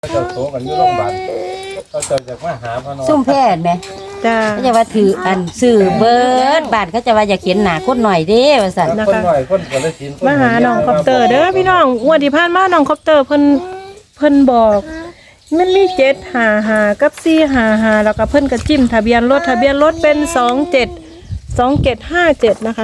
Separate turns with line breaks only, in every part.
เจ้าโตกันอยู่โรงพยาบาลเขาเจ้าจากมาหาพ่อน้อง
ซุ่มแพทย์ไหม
จ้า
เขาจะว่าถืออันซื้อเบิดบาทเขาจะว่าอยากเขียนหนาคนหน่อยเด้ว่าสั่น
คนหน่อยคนกาฬสินธุ์
มาหาน้องคอปเตอร์เด้อพี่น้องงวดที่ผ่านมาน้องคอปเตอร์เพิ่นบอกมันมี755กับ455แล้วก็เพิ่นก็จิ้มทะเบียนรถเป็น2757นะคะ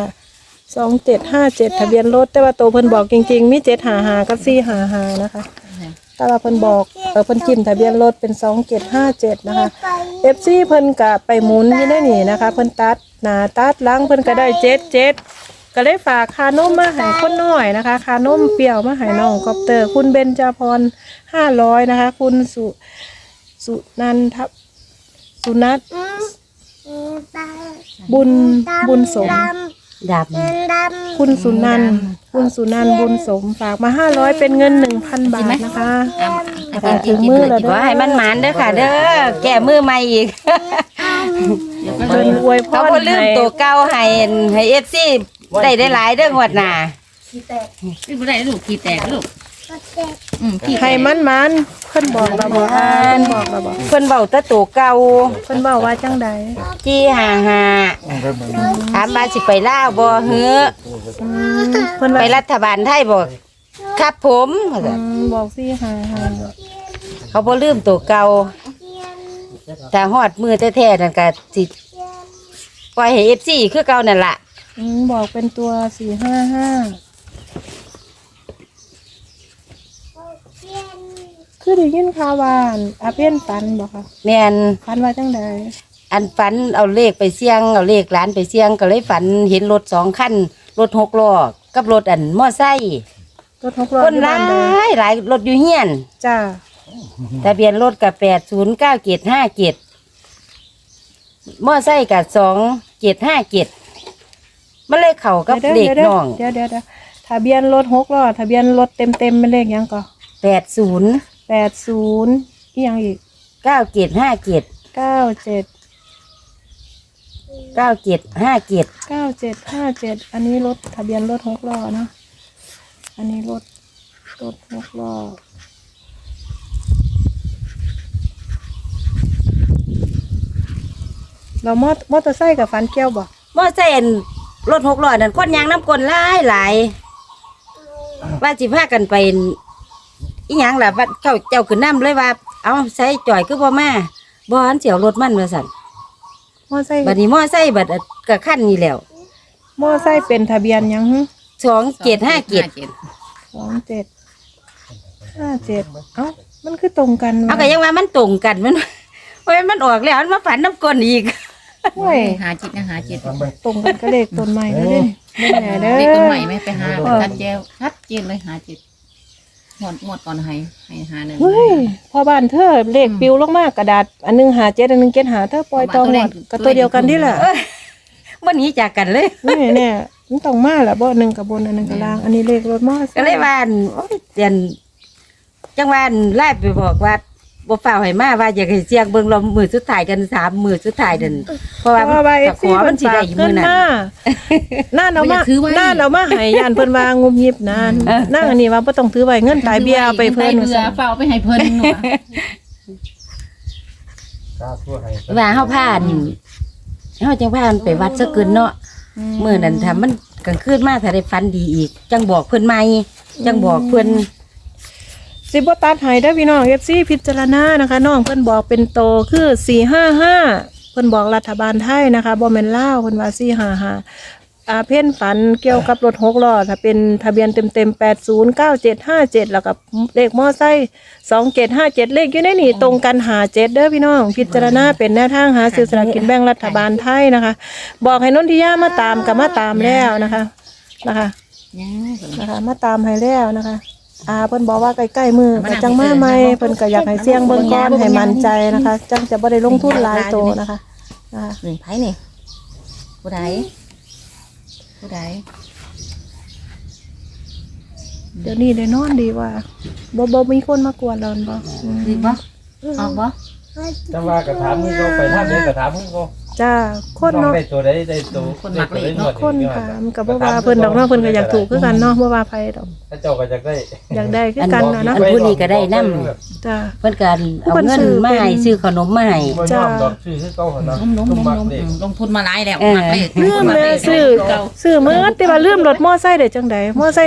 2757ทะเบียนรถแต่ว่าโตเพิ่นบอกจริงๆมี755กับ455นะคะแต่ว่าเพิ่นบอกเพิ่นจิ้มทะเบียนรถเป็น2757นะคะ FC เพิ่นก็ไปหมุนอยู่ในนี่นะคะเพิ่นตัดหน้าตัดหลังเพิ่นก็ได้77ก็เลยฝากคานมมาให้คนน้อยนะคะคานมเปรี้ยวมาให้น้องคอปเตอร์คุณเบญจพร500นะคะคุณสุนันทสุนัทบุญสม
ดับ
คุณสุนันบุญสมฝากมา500เป็นเงิน 1,000 บาทนะคะถึงมือแล้ว
ขอให้มันหมานเด้อค่ะเด้อแก้มือใหม่อีก
เพิ่นอวยพ
เขา
ร
บ่ลืมตัวเก่าให้ FC ได้หลายเด้องวดหน้า
นี่บ่ได้ลูกขี้แตกลูกขี้
ให้มันเพิ่นบอกเราบ่เพิ่นบอกเราบ่
เพิ่นเว้าแต่ตัวเก่า
เพิ่นบอกว่าจังใด
จี้ห่าถามว่าสิไปลาวบ่เฮ้อ
เพิ่น
ไป
ว่า
รัฐบาลไทยบ่ครับผมว่าซั่น
บอกสิหา
เขาบ่ลืมตัวเก่าแต่ฮอดมือแท้ๆนั่นก็สิปล่อยให้ FC คือเก่านั่นล่ะ
บอกเป็นตัว455คือได้ยินข่าวว่าอาเพี้ยนฝันบ่คะ
แม่น
ฝันว่าจังใด
อันฝันเอาเลขไปเสี่ยงเอาเลขหลานไปเสี่ยงก็เลยฝันเห็นรถ2คันรถ6ล้อกับรถอันมอไซค์
รถ6ล้อ
คนหลายหลายรถอยู่เฮียน
จ้า
ทะเบียนรถก็809757มอไซค์ก็2757มันเลยเข้ากับเลขน้อง
เดี๋ยวทะเบียนรถ6ล้อทะเบียนรถเต็มเป็นเลขหยังก่อ
80
80อีหยังอีก
9757
97 9757อันนี้รถทะเบียนรถ6ล้อเนาะอันนี้รถ6ล้อเรามอเตอร์ไซค์กับฟันเกี้ยวบ่
มอไซค์อันรถ6ล้อนั่นคนยางน้ำกลหลายว่าสิพากันไปอีหยังล่ะว่าเจ้าขึ้นน้ำเลยว่าเอาใส่จ่อยคือบ่มาบ่หันเสียวรถมันว่าซั่น
มอไซค์
บัดนี้มอไซค์บัดก็คันนี้แล้ว
มอไซค์เป็นทะเบียนหยังหึ
2757
2757เอ้ามันคือตรงกัน
เอาก็ยังว่ามันตรงกันมันโอ้ยมันออกแล้วมันมาฝันน้ำกลนอีก
โอ้ย
หาจิตนะหาจิต
ตรงกันก็เลขต้นใหม่แล้วเด้ไม่แน่เด้อ
เด็กคนใหม่ไหมไปหาชัดเจนเลยหาจิตหมดก่อนให้หาหนึ่ง
เฮ้ยพอบ้านเธอเลขปิวลงมากระดาษอันหนึง57อันหนึง75เธอปล่อยตองหมดก็ตัวเดียวกันนี่แหละ
มันหนีจากกันเลย
นี่เนี่ยมันต้องมาแหละบ่หนึ่งกับบนอันหนึงกับล่างอันนี้เลขรถมอไซ
ก็เลยว่าอั่นโอ้ยเรียนจังหวะอั่นไล่ไปบอกว่าบ่ฝ่าวให้มาว่าอยากให้เสียงเบิ่งเรามือสุดท้ายกัน3 มือสุดท้ายเดินเพราะว่า
เอ
ขอมันสิได้อยู่มื้อนั้น
น่าเอามาให้ยานเพิ่นว่างุบยิบนะนั่งอันนี้ว่าบ่ต้องถือไว้เงินตายเบี้ยเอาไปเพิ่น
เบื่อเฝ้าไปให้เพิ่นหนู
กล้าทั่วให้
ว่าเฮาพาอันเฮาจังพาอันไปวัดซะเกินเนาะมื้อนั้นถ้ามันกลางคืนมาถ้าได้ฝันดีอีกจังบอกเพิ่นใหม่จังบอกเพิ่น
สิบ่ตัดให้เด้อพี่น้อง FC พิจารณานะคะน้องเพิ่นบอกเป็นโตคือ455เพิ่นบอกรัฐบาลไทยนะคะบ่แม่นลาวเพิ่นว่า455เพ่นฝันเกี่ยวกับรถ6ล้อถ้าเป็นทะเบียนเต็มๆ809757แล้วก็เลขมอไซค์2757เลขอยู่ในนี่ตรงกัน57เด้อพี่น้องพิจารณาเป็นแนวทางหาซื้อสลากกินแบ่งรัฐบาลไทยนะคะบอกให้นนทิยามาตามก็มาตามแล้วนะคะมาตามให้แล้วนะคะเพิ่นบอกว่าใกล้ๆมือก็จังมาใหม่เพิ่นก็อยากให้เสี่ยงเบิ่งก่อนให้มั่นใจนะคะจังจะบ่ได้ลงทุนหลายโตนะคะ
นี่ไผนี่ผู้ใด
เดี๋ยวนี้ได้นอนดีว่าบ่มีคนมากวนเราบ่
ดีบ่ออกบ่
จังว่ากระถามมึงก็ไปท่าเดินกระถามมึงก็
จ้าคน
น้อง
เนาะ
ได้ตัวใดได้ตัว
คนมักเลขเนาะ
คนค่ะมันก็บ่ว่าเพิ่นดอกเนาะเพิ่นก็อยากถูกคือกันเนาะบ่ว่าไผดอก
ถ้าเจ้าก็จะได้
อยากได้คือกันนะเนาะ
อัผู้นี้ก็ได้นำ
จ้า
เพิ่นก็เอาเงินมาให้ซื้อขนมมาให้
บ่ยอมดอกชื่อคือเก่าหั่นเนาะ
ลงทุนมาหลายแล้ว
เออ
มักเลข
ลืมแม่ซื้อมื้อแต่ว่าลืมรถมอไซค์ได้จังได๋มอไซค์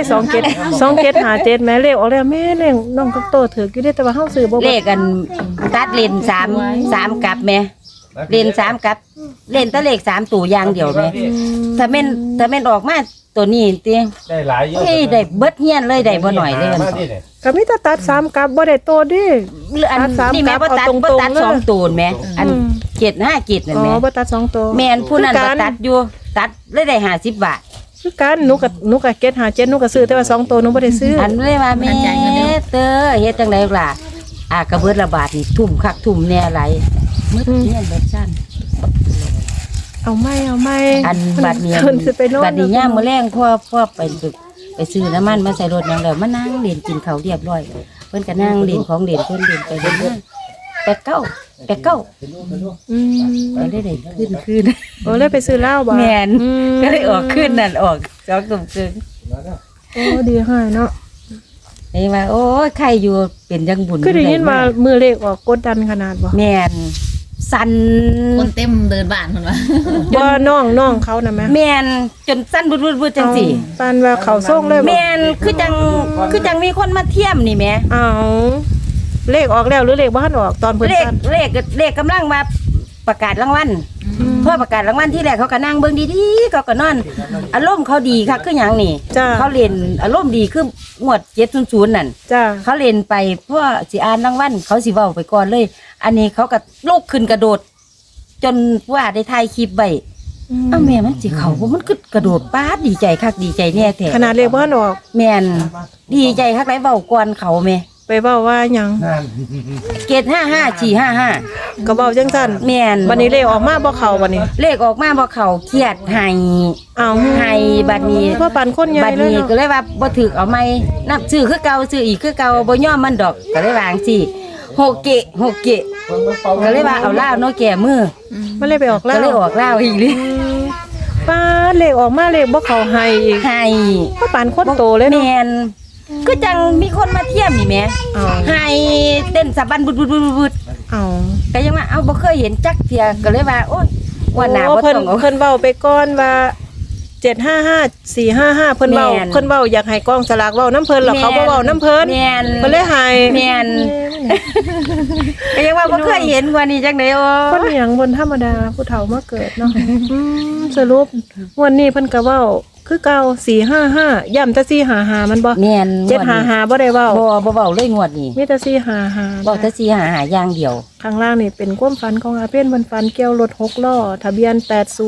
2757แม่เลขออกแล้วแม่เลขน้องก็โตถืออยู่เด้แต่ว่าเฮาซื้อบ่
เลขอันตัดเลน3กลับแม่เลน3กลับเลนแตะเลข3ตัวอย่างเดียวแม่ถ้าแม่นออกมาตัวนี้ติ
ได้หลายเยอะ
เฮ้ยได้เบิดเฮียนเลยได้บ่หน่อยเลย
มา
มัน
ดิเนี่ย
ก็มีแต่ตัด3กลับบ่ได้โตดิ
อัน
ตัดสาม
นี่แม่
กลั
บ่
บ
ตัด
เอาตรงๆ
บ่ตัด
เลย
สองตัวแม่อัน
อืม
757นั่น
อ๋อ
แม่
บ่ตัด2โต
แม่นผู้นั้น
คือ
บ่
กัน
ตัดอยู่ตัดเลยได้50 บาท
คือกันหนูก็เก็ต57หนูก็ซื้อแต่ว่า2โตหนูบ่ได้ซื้อ
อันเลยว่าแม่เตอเฮ็ดจังไดล่ะกระเบิดละบาทนี่ทุ่มคักทุ่มแน่หลายมึดเนี่ยเบิดซั่น
เอาไม่
อันบัดนี้
คนสิไปโน่น
บัดนี้ย่ามมื้อแรงพ่อไปซื้อน้ำมันมาใส่รถหยังแล้วมานั่งเล่นกินข้าวเรียบร้อยเพิ่นก็นั่งเล่นของเล่นเพิ่นเล่นไปเล่นมาแปดเก้า
อืม
ไปได้คืน
โอ้เลยไปซื้อเหล้าบ่
แม่น
อื
ก็เลยออกคืนนั่นออก2ทุ่มครึ่ง
โอ้ดีให้เนาะ
นี่ว่าโอ้ยใครอยู่เป็นจังบุญ
คือได้ยินว่ามือเลขออกกดดันขนาดบ่
แม่นสั่น
คนเต็มเดินบ้านคนว่า
บ่น้องเขาน่ะแม่
แม่นจนสั่นบึดๆจังซี่
ปานว่าเขาส่งเลยบ่
แม่นคือจังมีคนมาเทียมนี่แหม่
เอาเลขออกแล้วหรือเลขบ่ทันออกตอนเพิ่น
เลข
สั่น
เลขกำลังมาประกาศรางวัลพอประกาศรางวัลที่แรกเขาก็นั่งเบิ่งดีๆเขาก็นอนอารมณ์เขาดีคักคือหยังนี่
จ้า
เขาเล่นอารมณ์ดีคืองวด700นั่น
จ้า
เขาเล่นไปเพราะสิอ่านรางวัลเขาสิเว้าไปก่อนเลย อันนี้เขาก็ลุกขึ้นกระโดด จนว่าได้ถ่ายคลิปไว้เอ้าแม่มันสิเข้าบ่มันคือกระโดดป๊าดดีใจคักดีใจแน่แท้
ขนาดเลขบ่ทันออก
แม่นดีใจคักหลายเว้าก่อนเขาแม่
ไปเว้าว่าหยัง
นั่น
เกต55
ก็เว้าจังซั่น
455แม่น
บัดนี้เลขออกมาบ่เข้าบัดนี้
เลขออกมาบ่เข้าเครียดให้
เอา
ให้บัดนี้
เพราะปานคนใหญ่
บัด
เลย
นี้
เนาะ
ก็เลยว่าบ่ถูกเอาใหม่นับซื้อคือเก่าซื้ออีกคือเก่าบ่ยอมมันดอกก็เลยวาจั่งซี่โฮเกะก็เลยว่าเอาลาวเนาะแก่มือ
มันเลยไปออกแล้
ก็
ว
เลยออกลาวอีกเลย
ป้าเลขออกมาเลขบ่เข้าให้อีก
ให้
เพราะปานคนโตเลยเนาะ
แม่นก็จังมีคนมาเทียมนี่แหม
เอา
ให้เต้นสะบันบุดๆๆๆ
เอา
ก็ยังว่าเอาบ่เคยเห็นจักเที่ยก็เลยว่าโอ๊ยวันหน้า
โอ้
บ่
เพิ่น
ต้องเอา
เพิ่นเว้าไปก่อนว่า755 455เพิ่นเว้า
แม่น
เพิ่นเว้าอยากให้กองสลากเว้าน้ำเพิ่นแล้วเขาบ่เว้าน้ำเพิ่น
แม่น
เพิ่นเลยให้
แม่น ก็ยังว่าบ่เคยเห็นกว่านี้จังได๋โอ้
คนอหยังบนธรรมดาผู้เฒ่ามาเกิดเนาะสรุปวันนี้เพิ่นก็เว้าคือเก่า455ย้ำแต่455มันบ่
แม่น
755บ่ได้เว้า
บ่เว้าเลยงวดนี้
มีแต่455
บอกแต่สิหาอย่างเดียว
ข้างล่างนี่เป็นความฝันของอาเพ่นมันฝันเกี่ยวรถ6ล้อทะเบียน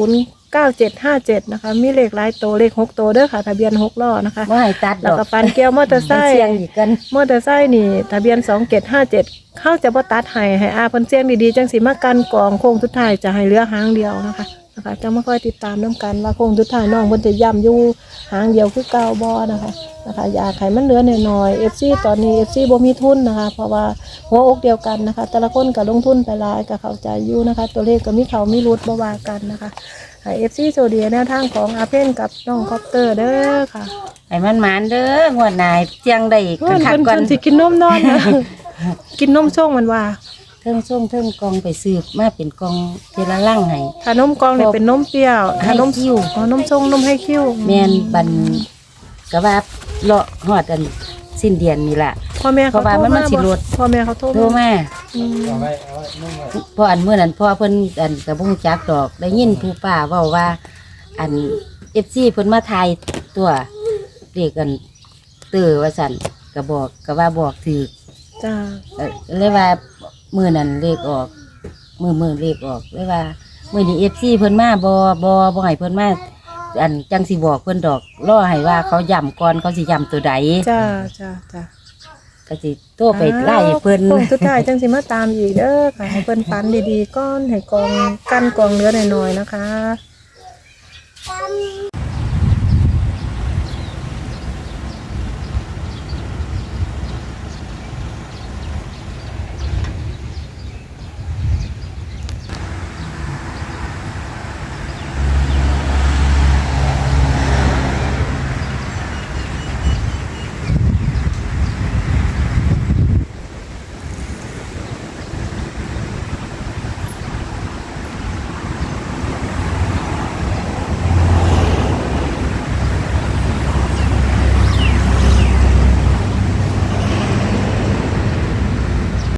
809757นะคะมีเลขหลายโตวเลข6โตวเด้อค่ะทะเบียน6ล้อนะคะ
บ่ให้ตัดด
แล้ว
อก
ก็ฝันเกี่ยวมอเตอร์ไซ
มัน
ค์
เสียงอีกกัน
มอเตอร์ไซค์นี่ทะเบียน2757เขาจะบ่ตัดให้อาเพิ่นเสียงดีๆจังสิมากันกองโค้งสุดท้ายจะให้เหลือหางเดียวนะคะจะมาคอยติดตามนํกันว่าโค้งสุดท้ายน้องเพิ่นจะย้ำอยู่หางเดียวคือเก่าบ่นะคะอยากให้มันเหลือน้อยๆ FC ตอนนี้ FC บ่มีทุนนะคะเพราะว่าหัวอกเดียวกันนะคะแต่ละคนก็ลงทุนไปหลายก็เข้าใจอยู่นะคะตัวเลขก็มีเขามีรุดบ่ว่ากันนะคะให้ FC โซเดียแนวทางของอาเพ่นกับน้องคอปเตอร์เด้อค่ะ
ให้มันหมานเด้องวดหน้าเสียงได้
เพิ่น
คัก
เพิ่น
ก่อน
เพิ่นสิกินนมนอนนะ กินนมช่วงมันว่า
เทิงส่งเทิงกองไปซื้อมาเป็นกองเทละลังให้
ถ้านมกล่องเนี่ยเป็นนมเปรี้ยวถ้านม
ให้คิ้ว
อ๋อนมช่วงนมให้คิ้ว
แม่นบันก็ว่าเลาะฮอดอันสิ้นเดือนนี่ล่ะ
พ่อแม่เขา
เพราะว่ามันสิลด
พ่อแม่เขาโทร
โทรมา
อืม
เอาไว้นุ่มไว้
พออันเมื่อนั้นพ่อเพิ่นอันก็บ่รู้จักดอกได้ยินผู้ป้าเว้าว่า อัน FC เพิ่นมาทายตัวเรียกกันเตื้อว่าซั่นก็บอกก็ว่าบอกถูก
จ้า
เลยว่ามื้อนั้นเลขออกมื้อเลขออกเลยว่ามื้อนี้ FC เพิ่นมาบ่ให้เพิ่นมาอันจังสิบอกเพิ่นดอกรอให้ว่าเขาย้ำก่อนเขาสิย้ำตัวใด
จ้าจ้าจ้า
ก็สิโทรไปไล่เพิ่น
โค้งสุดท้ายจังสิมาตามอีกเด้อค่ะให้เพิ่นฝันดีๆก้อนให้กองกั้นกองเนื้อหน่อยๆนะคะ